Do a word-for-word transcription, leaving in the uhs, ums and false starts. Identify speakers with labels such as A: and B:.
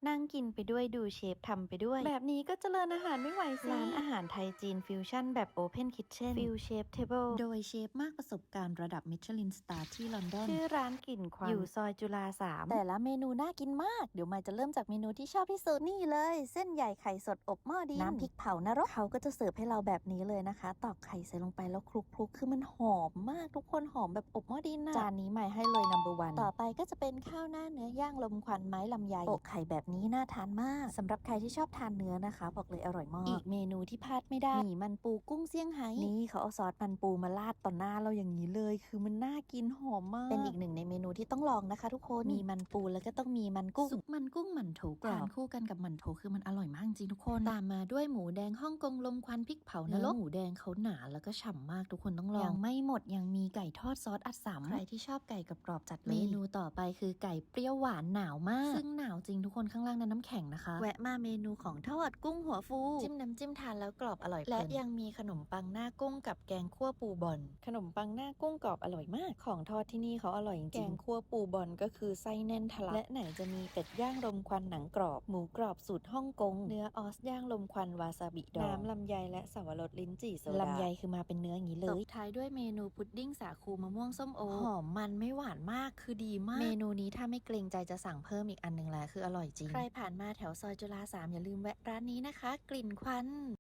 A: นั่งกินไปด้วยดูเชฟทำไปด้วยแบบนี้ก็เจริญอาหารไม่ไหวสิร้านอาหารไทยจีนฟิวชั่นแบบ Open Kitchen ฟิวเชฟเทเบิลโดยเชฟมากประสบการณ์ระดับมิชลินสตาร์ที่ลอนดอนชื่อร้านกลิ่นควันอยู่ซอยจุฬาสามแต่ละเมนูน่ากินมากเดี๋ยวมายจะเริ่มจากเมนูที่ชอบที่สุดนี่เลยเส้นใหญ่ไข่สดอบหม้อดินน้ำพริกเผานรกเขาก็จะเสิร์ฟให้เราแบบนี้เลยนะคะตอกไข่ใส่ลงไปแล้วคลุกๆคือมันหอมมากทุกคนหอมแบบอบหม้อดินนะจานนี้มายให้เลย นัมเบอร์ วันต่อไปก็จะเป็นข้าวหน้าเนื้อย่างลมควันไม้ลำไยโปะไข่แบบนี้น่าทานมากสำหรับใครที่ชอบทานเนื้อนะคะบอกเลยอร่อยมากอีกเมนูที่พลาดไม่ได้หมี่มันปูกุ้งเซี่ยงไฮ้นี่เขาเอาซอสมันปูมาราดต่อหน้าเราอย่างนี้เลยคือมันน่ากินหอมมากเป็นอีกหนึ่งในเมนูที่ต้องลองนะคะทุกคนมีมันปูแล้วก็ต้องมีมันกุ้งซุปมันกุ้งหมั่นโถกรอบทานคู่กันกับหมั่นโถคือมันอร่อยมากจริงทุกคนตามมาด้วยหมูแดงฮ่องกงลมควันพริกเผานรกหมูแดงเขาหนาแล้วก็ฉ่ำมากทุกคนต้องลองยังไม่หมดยังมีไก่ทอดซอสอัดสามใครที่ชอบไก่กับกรอบจัดเลยเมนูต่อไปคือไก่เปรี้ยวหวานหนาวมากซึ่งหนาวจริงทุกคนข้างล่างนั้นน้ำแข็งนะคะแวะมาเมนูของทอดกุ้งหัวฟูจิ้มน้ำจิ้มทานแล้วกรอบอร่อยและยังมีขนมปังหน้ากุ้งกับแกงคั่วปูบอนขนมปังหน้ากุ้งกรอบอร่อยมากของทอดที่นี่เขาอร่อยจริงแกงคั่วปูบอนก็คือไส้แน่นทะลักและไหนจะมีเป็ดย่างลมควันหนังกรอบหมูกรอบสูตรฮ่องกงเนื้อออสย่างลมควันวาซาบิดองน้ำลำไยและสวรสลิ้นจี่โซดาลำไยคือมาเป็นเนื้ออย่างนี้เลยตบท้ายด้วยเมนูพุดดิ้งสาคูมะม่วงส้มโอหอมมันไม่หวานมากคือดีมากเมนูนี้ถ้าไม่เกรงใจจะสั่งเพิ่มอีกอันหนึ่งแล้วคืออร่อยจริงใครผ่านมาแถวซอยจุฬาสามอย่าลืมแวะร้านนี้นะคะกลิ่นควัน